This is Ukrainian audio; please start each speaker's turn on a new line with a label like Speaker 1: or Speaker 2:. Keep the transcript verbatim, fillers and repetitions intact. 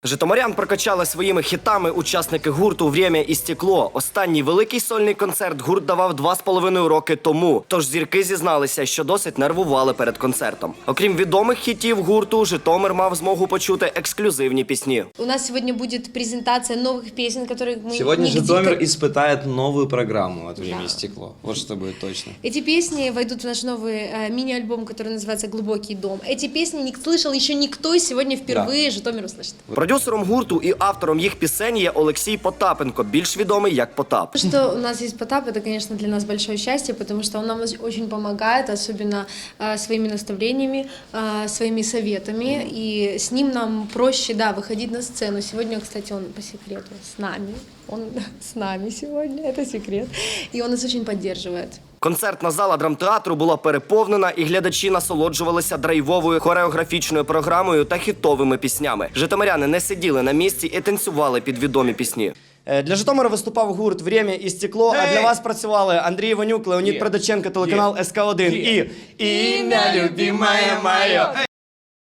Speaker 1: Житомирян прокачали своїми хітами учасники гурту «Время і стекло». Останній великий сольний концерт гурт давав два з половиною роки тому. Тож зірки зізналися, що досить нервували перед концертом. Окрім відомих хітів гурту, Житомир мав змогу почути ексклюзивні пісні.
Speaker 2: У нас сегодня будет презентация новых песен, которые мы
Speaker 3: Сегодня
Speaker 2: нигде...
Speaker 3: Житомир испытает новую программу от «Время
Speaker 2: Да.
Speaker 3: и стекло». Вот что будет точно.
Speaker 2: Эти песни войдут в наш новый э, мини-альбом, который называется «Глубокий дом». Эти песни не слышал еще никто, и сегодня впервые
Speaker 3: Да.
Speaker 2: Житомир услышит.
Speaker 1: Продюсером гурту і автором їх пісень є Олексій Потапенко, більш відомий як Потап.
Speaker 2: Что у нас есть Потап, это, конечно, для нас большое счастье, потому что он нам очень помогает, особенно э, своими наставлениями, э, своими советами, и с ним нам проще, да, выходить на сцену. Сегодня, кстати, он по секрету с нами, он с нами сегодня, это секрет, и он нас очень поддерживает.
Speaker 1: Концертна зала драмтеатру була переповнена, і глядачі насолоджувалися драйвовою хореографічною програмою та хітовими піснями. Житомиряни не сиділи на місці і танцювали під відомі пісні. Для Житомира виступав гурт «Время і стекло», а для вас працювали Андрій Іванюк, Леонід Продаченко, телеканал ес ка один і «Ім'я любимое моє».